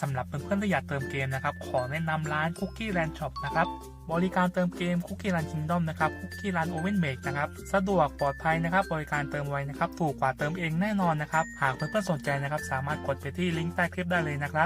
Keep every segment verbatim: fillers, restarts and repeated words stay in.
สำหรับเพื่อนๆที่อยากเติมเกมนะครับขอแนะนำร้าน Cookie Land Shop นะครับบริการเติมเกม Cookie Land Kingdom นะครับ Cookie Land Oven Make นะครับสะดวกปลอดภัยนะครับบริการเติมไวนะครับถูกกว่าเติมเองแน่นอนนะครับหากเพื่อนๆสนใจนะครับสามารถกดไปที่ลิงก์ใต้คลิปได้เลยนะครับ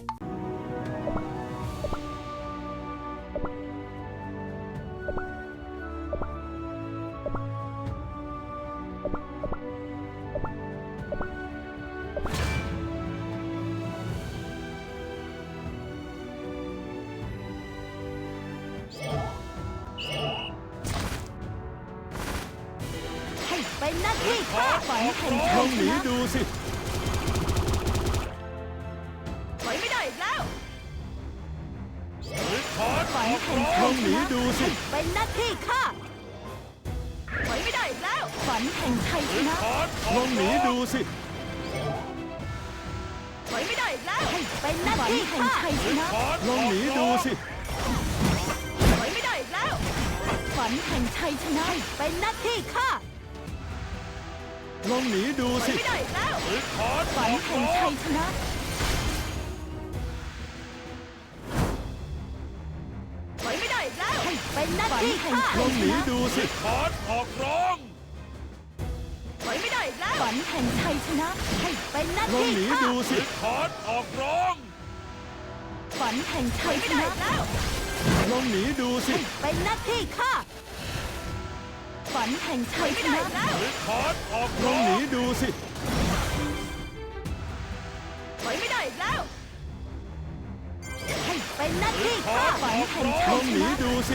เป็นหน้าที่ข้าฝันแห่งชัลอย งชหนีนะดูสิถอยไม่ได้อีกแล้วถอดฝันแห่งลชัอย งชหนีนะดูสิเป็นหน้าที่ข้าถอยไม่ได้อีกแล้วฝันแห่งชัยชนะถอดลองหนีดูสิถอยไม่ได้อีกแล้วเป็นหน้าที่ข้าชัยชนะถอดลองหนีดูสิถอยไม่ได้อีกแล้วฝันแห่งชัยชนะเป็นหน้าที่ข้าลองหนีดูถอยสิไม่ได้อีกแล้วถอดฝันแห่งชัยชนะถอยไม่ได้อีกแล้วเป็นหน้าที่ข้าลองหนีดูสิถอดออกร้องถอยไม่ได้อีกแล้วฝันแห่งชัยชนะเป็นหน้าลองที่หนีข้าดูสิถอดออกร้องฝันแห่งชัยชนะลองหนีดูสิเป็นหน้าที่ข้าฝันแห่งชัยชนะถอดออกลองหนีดูสิถอยไม่ได้อีกแล้วเป็นหน้าที่ข้าฝันแห่งชัลยองชหนีนะดูสิ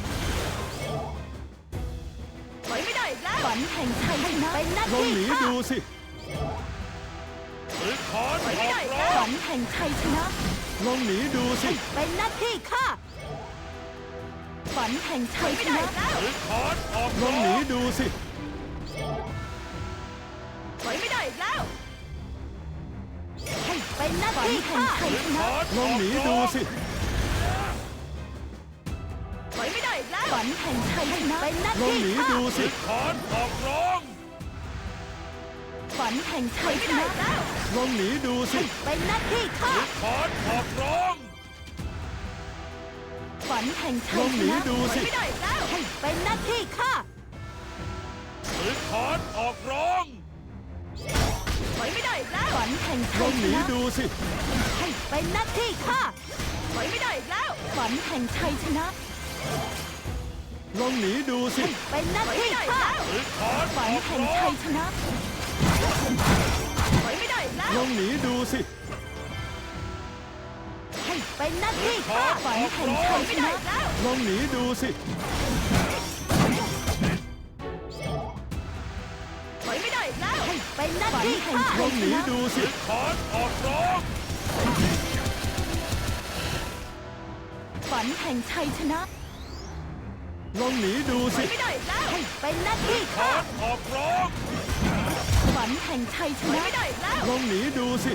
ถอยไม่ได้อีกแล้วฝันแห่งชัยชนะเป็นหน้าลองที่หนีข้าดูสิถอดถอยไม่ได้อีกแล้วฝันแห่งชัยชนะลองหนีดูสิเป็นหน้าที่ข้าฝันแห่งชัยชนะถอดออกลองหนีดูสิถอยไม่ได้อีกแล้วเป็นหน้าที่ข้าชัยชนะลองหนีดูสิถอยไม่ได้อีกแล้วฝันแห่งชัยชนะเป็นหน้าลองที่หนีข้าดูสิถอดออกร้องฝันแห่งชัยชนะลองหนีดูสิเป็นหน้าที่ข้าถอดออกร้องฝันแห่งชัลยองชหนีนะดูสิไม่ได้อีกแล้วเป็นหน้าที่ข้าถอดออกร้องถอยไม่ได้อีกแล้วฝันแห่งลชัอย งชหนีนะดูสิเป็นหน้าที่ข้าถอยไม่ได้อีกแล้วฝันแห่งชัยชนะลองหนีดูสิเป็นหน้าที่ข้าถอดฝันแห่งชัยชนะถอยไม่ได้อีกแล้วลองหนีดูสิเป็นหน้าที่ข้าฝันแห่งชัยชนะลองหนีดูสิถอยไม่ได้อีกแล้วเป็นหน้าที่ข้าลองหนีดูสิถอดออกร้องฝันแห่งชัยชนะลองหนีดูสิไม่ได้อีกแล้วเป็นหน้าที่ถข้าอดออกร้องฝันแห่งชัยชนะไม่ได้อีกแล้วลองหนีดูสิ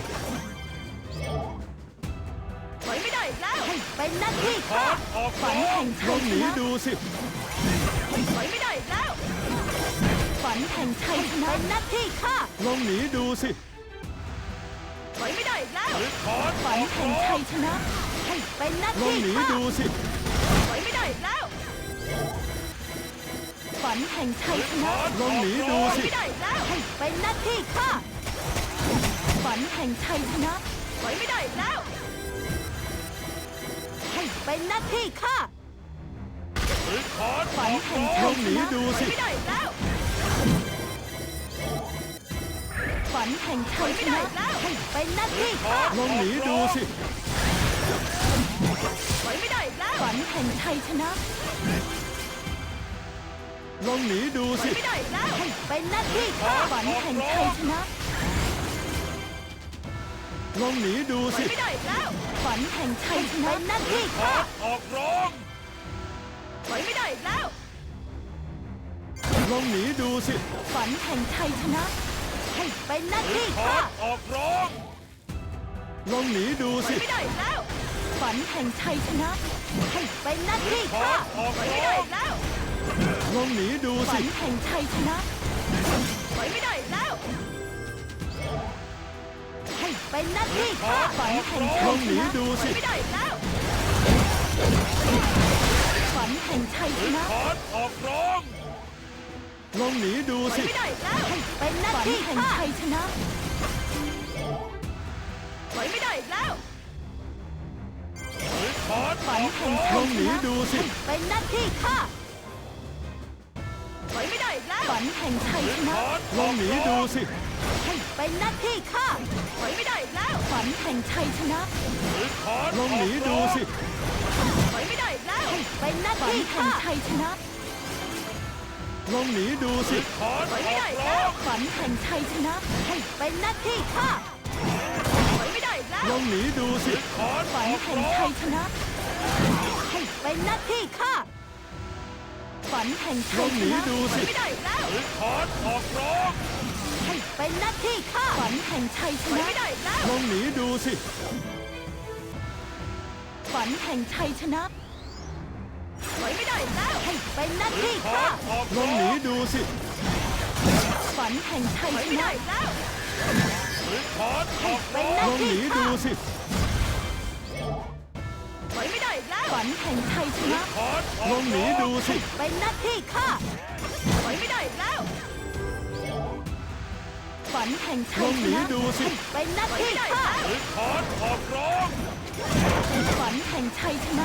ถอยไม่ได้อีกแล้วเป็นหน้าที่ถข้าอดออกฝันร้องแห่งลชัอย งชหนีนะดูสิถอยไม่ได้อีกแล้วฝันแห่งชัยชนะเป็นหน้าที่ข้าลองหนีดูสิถอยไม่ได้อีกแล้วถอดอฝันอกแห่งร้อชังยชนะเป็นหน้าลองที่หนีข้าดูสิถอยไม่ได้อีกแล้วฝันแห่งชัยชนะลองหนีดูสิไม่ได้อีกแล้วเป็นหน้าที่ข้าฝันแห่งชัยชนะถอยไม่ได้อีกแล้วเป็นหน้าที่ข้าถอดอฝันอกแห่งร้อชังยลองหชนีนะดูสิไม่ได้อีกแล้วฝันแห่งชัยชนะเป็นหน้าที่ข้าลองหนีดูสิถอยไม่ได้อีกแล้วฝันแห่งชัยชนะลองหนีดูถอสิยไม่ได้อีกแล้วเป็นหน้าที่ข้าฝันแห่งชัยชนะลองหนีดูถอยสิไม่ได้อีกแล้วฝันแห่งชัยชนะเป็นหน้าที่ถข้าอดออกร้องถอยไม่ได้อีกแล้วลองหนีดูสิฝันแห่งชัยชนะเป็นหน้าที่ถอข้าดออกร้อง ลองหนีดูถอสิยไม่ได้อีกแล้วฝันแห่งชัยชนะเป็นหน้าที่ถอข้าดออกถอยไม่ร้ได้องอีกแล้วลองหนีดูฝัสินแห่งชัยชนะถอยไม่ได้อีกแล้วเเป็นหน้าที่ข้าฝันแห่งลชัอย งชหนีนะดูสิไม่ได้อีกแล้วฝันแห่งชัยชนะขานออกร้องลองหนีดูสิไม่ได้อีกแล้วเป็นหน้าที่แห่งชัยชนะถอยไม่ได้อีกแล้วหรือขานอฝันอกแห่งร้องชัลอย งชหนีนะดูสิเป็นหน้าที่ข้าถอยไม่ได้อีกแล้วฝันแห่งชัยหรือชนะขานอลออง กหนีร้ดูองสิเป็นหน้าที่ข้าถอยไม่ได้อีกแล้วฝันแห่งชัยชนะหรือขานลอออง กหนีดูร้องสิถอยไม่ได้อีกแล้วเป็นหน้าที่ข้าชัยชนะลองหนีดูหสิรือขานถออยไม่อได้กอีกร้แล้อวงฝันแห่งชัยชนะเป็นหน้าที่ข้าถอยไม่ได้อีกแล้วลองหนีดูหสิรือขานฝัอน อกแห่งร้อชังยชนะเป็นหน้าที่ข้าฝันแห่งลชัอย งชหนีนะดูถอสิยไม่ได้อีกแล้วหรือขานออกร้องเป็นหน้าที่ข้าฝันแห่งชัยชนะไม่ได้อีกแล้วลองหนีดูสิฝันแห่งชัยชนะถอยไม่ได้อีกแล้วเป็นหน้าหรือที่ขานข้าออกลอร้งอหนีงดูสิฝันแห่งชัยชนะอีกแล้วหรือขานออกเป็นร้อหงน้าลองหที่นีข้าดูสิถอยไม่ได้อีกแล้วฝันแห่งชัยชหรือนะขานอลออก งหนีร้องดูสิเป็นหน้าที่ข้าถอยไม่ได้อีกแล้วฝันแห่งลชัอย งชหนีนะดูสิเป็นหน้าที่ข้าหรือขานออกร้องฝันแห่งชัยชนะ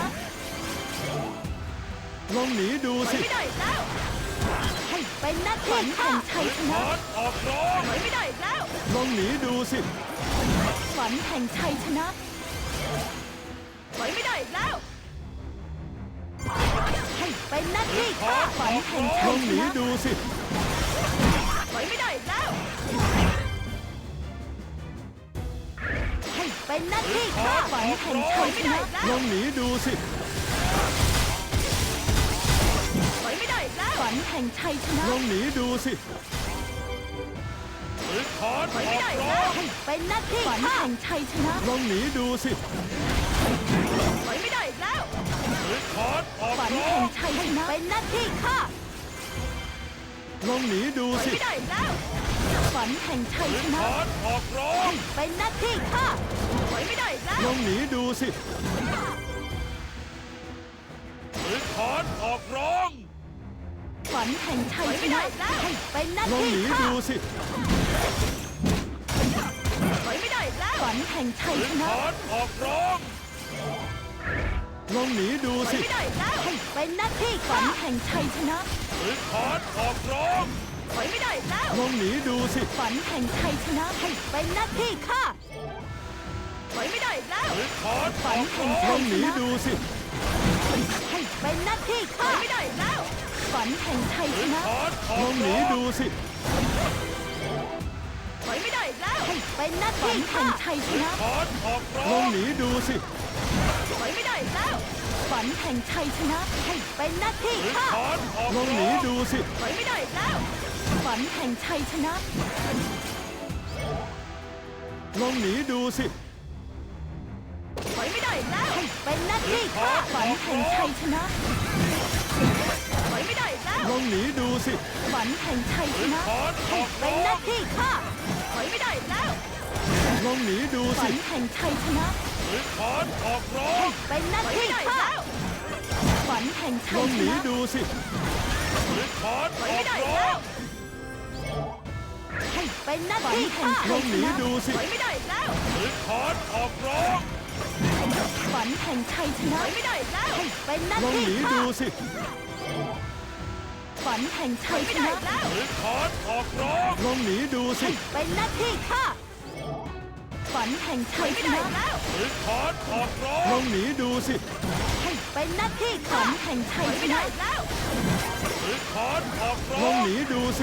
ลองหนีดูถอยสิไม่ได้อีกแล้วเป็นหน้าที่ข้าแห่งชัยชนะขานออกร้องถอยไม่ได้อีกแล้วลองหนีดูสิฝันแห่งชัยชนะถอยไม่ได้อีกแล้วเป็นหน้าที่ข้าฝันแห่งลชัอย งชหนีนะดูสิถอยไม่ได้อีกแล้วเป็นหน้าที่ข้าฝันแห่งชัยชนะลองหนีดูสิถอยไม่ได้อีกแล้วฝันแห่งชัยชนะลองหนีดูสิหรือขานถออยอไม่กได้อีกร้แล้อวงเป็นหน้าที่ฝันแห่งชัยชนะลองหนีดูสิถอยไม่ได้อีกแล้วหรือขานออกฝันร้อแห่งงชัยชนะเป็นหน้าที่ข้าลองหนีดูถอยสิไม่ได้อีกแล้วฝันแห่งชัยหรืชอนะขานออกร้องเป็นหน้าที่ข้าถอยไม่ได้อีกแล้วลองหนีดูสิหรือขานออกร้องฝันแห่งชัยชนะเป็นหน้าลองที่หนีข้าดูสิถอยไม่ได้อีกแล้วฝันแห่งชัยหรืชอนะขานออกร้องลองหนีดูถอยสิไม่ได้อีกแล้วเป็นหน้าที่ฝันแห่งชัยชนะหรือขานออกร้องถอยไม่ได้อีกแล้วลองหนีดูสิฝันแห่งชัยชนะเป็นหน้าที่ข้าถอยไม่ได้อีกแล้วหรือขานอฝันอกแห่งร้อลงองหนีดูสิเป็นหน้าที่ข้าถอยไม่ได้อีกแล้วฝันแห่งชัยหชรือนะขานอลออก งหนีร้องดูสิถอยไม่ได้อีกแล้วเป็นหน้าที่ข้าชัยชนะขานออกร้ลอองงหนีดูสิถอยไม่ได้อีกแล้วฝันแห่งชัยชนะเป็นหน้าที่หรือข้าขานออกลองหนีร้องดูสิถอยไม่ได้อีกแล้วฝันแห่งชัยชนะลองหนีดูสิถอยไม่ได้อีกแล้วเป็นหน้าที่ข้าฝันแห่งชัยชนะถอยไม่ได้อีกแล้วลองหนีดูสิฝันแห่งชัยหชรือนะขานออกเป็นร้อหน้าง ที่ข้าถอยไม่ได้อีกแล้วลองหนีดูฝัสินแห่งชัยชนะหรือขานออกร้องเป็นหน้าที่ข้าฝันแห่งลชัอย งชหนีนะดูสิหรือขานถออยอไม่กได้อีกร้อแล้งวเป็นหน้าที่ข้าลองหนีดูสิถอยไม่ได้อีกแล้วหรือขานออกร้องฝันแห่งชัยชนะถอยไม่ได้อีกแล้วเป็นหน้าลองที่หนีข้าดูสิฝันแห่งชัยชนะหรือขานออกร้องลองหนีดูสิเป็นหน้าที่ข้าฝันแห่งชัยชนะหรือขานออกร้อลอง งหนีดูสิเป็นหน้าที่ข้าฝันแห่งชัยชนะหรือขานออกร้ลอองงหนีดูสิ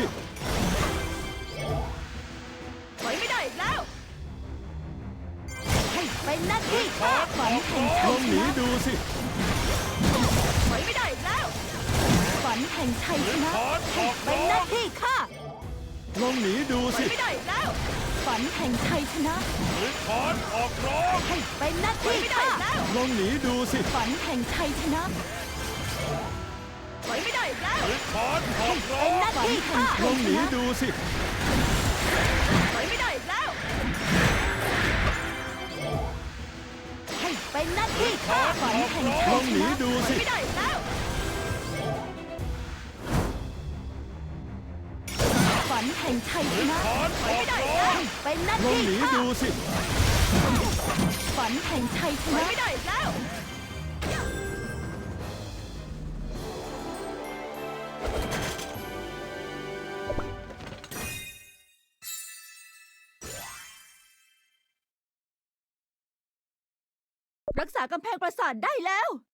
ถอยไม่ได้อีกแล้วเป็นหน้าที่ข้าฝันแห่งลชัอย งชหนีนะดูสิถอยไม่ได้อีกแล้วฝันแห่งชัยหรืชอนะขานออกเป็นร้อหน้าง ที่ข้าลองหนีดูถอสิยไม่ได้อีกแล้วฝันแห่งชัยชนะหรือขานออกร้องเป็นหน้าที่ข้าลองหนีดูสิฝันแห่งชัยชนะถอยไม่ได้อีกแล้วหรือขานออกร้อเป็นงหน้าที่ข้าลองหนีดูสิถอยไม่ได้อีกแล้วเป็นหน้าที่ข้าฝันแห่งลชัอย งชหนีนะดูสิไม่ได้แล้วฝันแห่งชัยชนะถอนออกร้อนเป็นหน้าลองที่หนีข้าดูสิฝันแห่งชัยชนะไม่ได้แล้ว รักษากำแพงปราสาทได้แล้ว